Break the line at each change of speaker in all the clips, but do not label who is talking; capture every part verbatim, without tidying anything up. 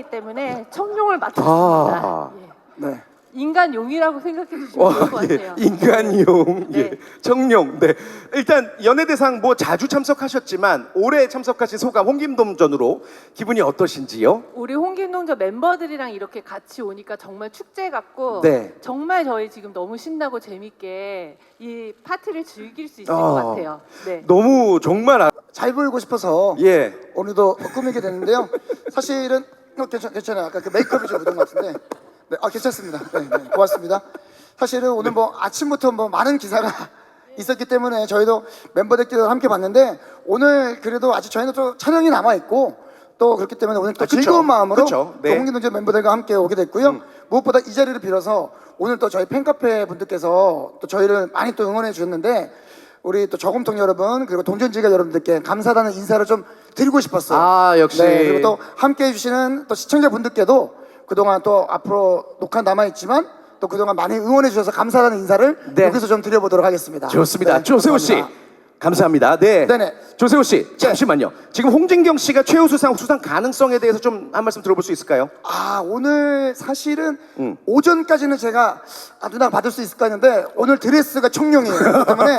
멤버이기 때문에 청룡을 맡았습니다.
아,
예.
네.
인간용이라고 생각해 주시면 좋을 것
예,
같아요.
인간용,
네.
예, 청룡. 네, 일단 연예대상 뭐 자주 참석하셨지만 올해 참석하신 소감 홍김동전으로 기분이 어떠신지요?
우리 홍김동전 멤버들이랑 이렇게 같이 오니까 정말 축제 같고
네.
정말 저희 지금 너무 신나고 재밌게 이 파티를 즐길 수 있을
어.
것 같아요. 네.
너무 정말 아,
잘 보이고 싶어서
예,
오늘도 꾸미게 됐는데요. 사실은 어, 괜찮, 괜찮아요. 아까 그 메이크업이 좀 묻은 것 같은데 네, 아 괜찮습니다. 네, 네, 고맙습니다. 사실은 오늘 뭐 아침부터 뭐 많은 기사가 있었기 때문에 저희도 멤버들끼리 함께 봤는데 오늘 그래도 아직 저희는 또 촬영이 남아 있고 또 그렇기 때문에 오늘 또
아, 그쵸.
즐거운 마음으로
그쵸. 네.
또 홍기동전 멤버들과 함께 오게 됐고요.
음.
무엇보다 이 자리를 빌어서 오늘 또 저희 팬카페 분들께서 또 저희를 많이 또 응원해 주셨는데 우리 또 저금통 여러분 그리고 동전지가 여러분들께 감사하다는 인사를 좀 드리고 싶었어요.
아, 역시.
네, 그리고 또 함께 해주시는 또 시청자분들께도 그동안 또 앞으로 녹화 남아있지만 또 그동안 많이 응원해 주셔서 감사하다는 인사를
네.
여기서 좀 드려보도록 하겠습니다.
좋습니다.
네,
조세호 씨,
감사합니다.
감사합니다. 네,
네네.
조세호 씨, 잠시만요. 지금 홍진경 씨가 최우수상 수상 가능성에 대해서 좀 한 말씀 들어볼 수 있을까요?
아 오늘 사실은
음.
오전까지는 제가 아 누나 받을 수 있을까 했는데 오늘 드레스가 청룡이에요. 그렇기 때문에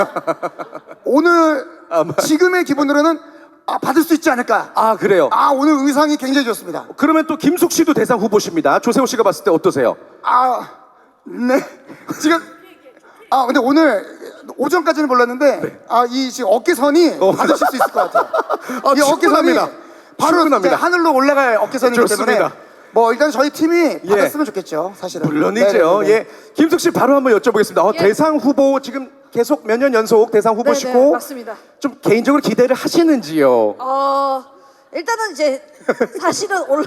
오늘
아, 뭐.
지금의 기분으로는 아 받을 수 있지 않을까.
아, 그래요.
아 오늘 의상이 굉장히 좋습니다.
그러면 또 김숙 씨도 대상 후보십니다. 조세호 씨가 봤을 때 어떠세요?
아, 네. 지금 아 근데 오늘 오전까지는 몰랐는데 아 이 지금 어깨선이
어.
받으실 수 있을 것 같아요.
아,
이 어깨선이
충분합니다.
바로
충분합니다.
이제 하늘로 올라갈 어깨선이기
좋습니다.
때문에 뭐 일단 저희 팀이
예.
받았으면 좋겠죠, 사실은.
물론이죠.
네네네.
예, 김숙 씨 바로 한번 여쭤보겠습니다. 어,
예.
대상 후보 지금 계속 몇 년 연속 대상 후보시고
네네, 맞습니다.
좀 개인적으로 기대를 하시는지요?
어 일단은 이제 사실은 올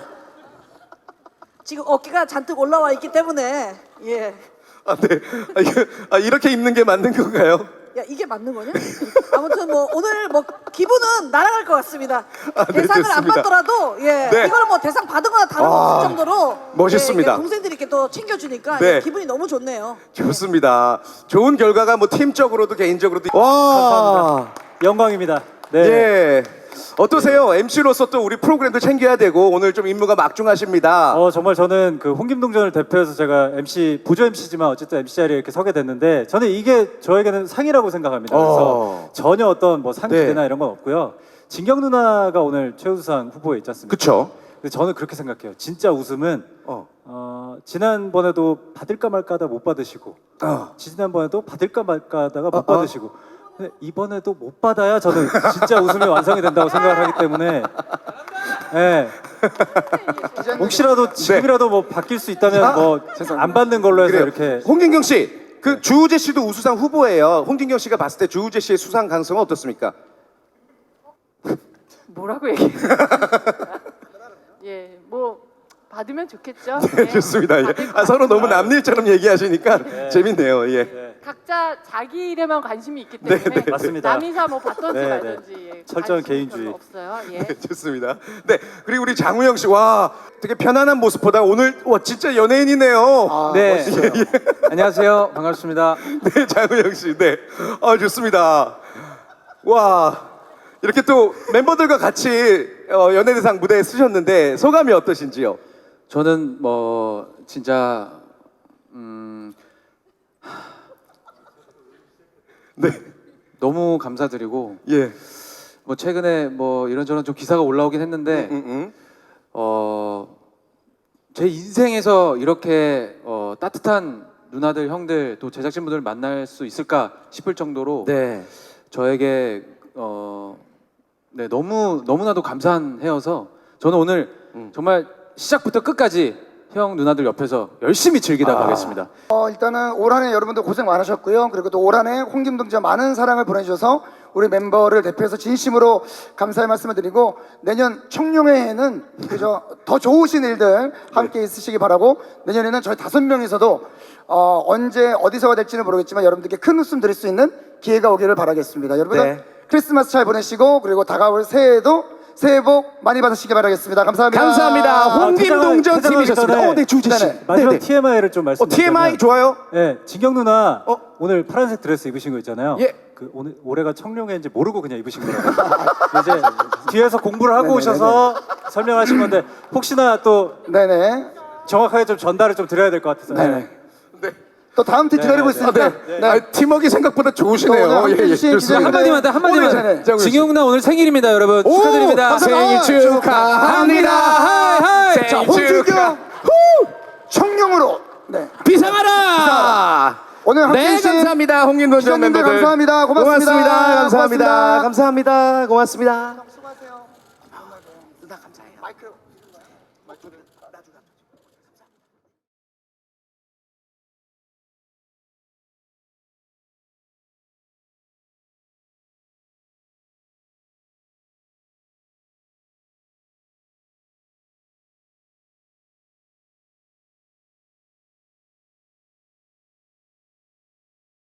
지금 어깨가 잔뜩 올라와 있기 때문에 예.
아, 네. 아, 이거, 아, 이렇게 입는 게 맞는 건가요?
야 이게 맞는 거냐? 아무튼 뭐 오늘 뭐 기분은 날아갈 것 같습니다.
아, 네,
대상을 안
좋습니다.
받더라도 예
네.
이거는 뭐 대상 받은 거나
아,
다름없을 정도로
멋있습니다.
예, 이게 동생들이 이렇게 또 챙겨주니까
네.
예, 기분이 너무 좋네요.
좋습니다. 좋은 결과가 뭐 팀적으로도 개인적으로도 와,
영광입니다. 네.
예. 어떠세요? 엠씨로서 또 우리 프로그램도 챙겨야 되고 오늘 좀 임무가 막중하십니다.
어 정말 저는 그 홍김동전을 대표해서 제가 엠씨 보조 엠씨지만 어쨌든 엠씨 자리에 이렇게 서게 됐는데 저는 이게 저에게는 상이라고 생각합니다. 그래서
어.
전혀 어떤 뭐 상
네.
기대나 이런 건 없고요. 진경 누나가 오늘 최우수상 후보에 있지 않습니까?
그쵸?
근데 저는 그렇게 생각해요. 진짜 웃음은
어.
어, 지난번에도 받을까 말까 하다 못 받으시고
어.
지난번에도 받을까 말까 하다가 못
어, 어.
받으시고 근데 이번에도 못 받아야 저는 진짜 웃음이 완성이 된다고 생각을 하기 때문에 예. 혹시라도 지금이라도 뭐 바뀔 수 있다면
아,
뭐 안 받는 걸로 해서
그래요.
이렇게
홍진경 씨, 그 주우재 씨도 우수상 후보예요. 홍진경 씨가 봤을 때 주우재 씨의 수상 가능성은 어떻습니까?
뭐라고 얘기해요? 예, 뭐 받으면 좋겠죠.
네, 좋습니다. 예.
받을 것
아, 서로 너무
같아요.
남일처럼 얘기하시니까 재밌네요. 예.
네.
각자 자기 일에만 관심이 있기 때문에
네, 네,
맞습니다.
남이사 뭐 받던지
네, 네.
말던지 예,
철저한
관심이
개인주의.
별로 없어요. 예.
네, 좋습니다. 네, 그리고 우리 장우영 씨, 와, 되게 편안한 모습보다 오늘 와 진짜 연예인이네요.
아,
네.
멋있어요.
안녕하세요. 반갑습니다.
네, 장우영 씨, 네, 아 좋습니다. 와, 이렇게 또 멤버들과 같이 어, 연예대상 무대에 쓰셨는데 소감이 어떠신지요?
저는 뭐 진짜 음
네,
너무 감사드리고
예,
뭐 최근에 뭐 이런저런 좀 기사가 올라오긴 했는데
음, 음.
어 제 인생에서 이렇게 어 따뜻한 누나들, 형들 또 제작진분들 만날 수 있을까 싶을 정도로
네,
저에게 어 네, 너무 너무나도 감사한 해여서 저는 오늘
음.
정말 시작부터 끝까지 형 누나들 옆에서 열심히 즐기다
아.
가겠습니다.
어, 일단은 올 한해 여러분들 고생 많으셨고요. 그리고 또 올 한해 홍김동전 많은 사랑을 보내주셔서 우리 멤버를 대표해서 진심으로 감사의 말씀을 드리고 내년 청룡회에는 그저 더 좋으신 일들 함께 있으시기 바라고 내년에는 저희 다섯 명이서도 어, 언제 어디서가 될지는 모르겠지만 여러분들께 큰 웃음 드릴 수 있는 기회가 오기를 바라겠습니다. 여러분들
네.
크리스마스 잘 보내시고 그리고 다가올 새해에도 새해 복 많이 받으시기 바라겠습니다. 감사합니다.
감사합니다. 홍김동전
퇴장하기
팀이셨습니다.
전에
어, 네, 주우재 씨.
네네.
마지막
네네.
티엠아이를 좀
어,
말씀드리면
티엠아이 좋아요?
네, 진경 누나
어?
오늘 파란색 드레스 입으신 거 있잖아요.
예.
그 오늘 올해가 청룡회인지 모르고 그냥 입으신 거라고. 이제 뒤에서 공부를 하고
네네네네.
오셔서 설명하신 건데 혹시나 또
네네.
정확하게 좀 전달을 좀 드려야 될 것 같아서.
네네.
네.
또 다음 팀 기다리고
네,
있으니까.
네. 아, 팀워크 생각보다 좋으시네요.
또 오늘
예, 예,
함께 해주신
좋습니다.
기자님들
한마디만 더
오늘 전에.
한마디만. 증용나 오늘 생일입니다, 여러분.
오,
축하드립니다.
감사합니다.
생일 축하합니다.
하이, 하이.
자,
생일
홍준경
축하.
청룡으로. 네.
비상하라.
오늘 함께
네,
해주신
감사합니다. 홍윤동 전
기자님들
멤버들.
감사합니다. 고맙습니다.
고맙습니다. 감사합니다.
고맙습니다.
감사합니다. 고맙습니다.
수고하세요. 누나 감사해요. 마이크. 마이크를 나중에.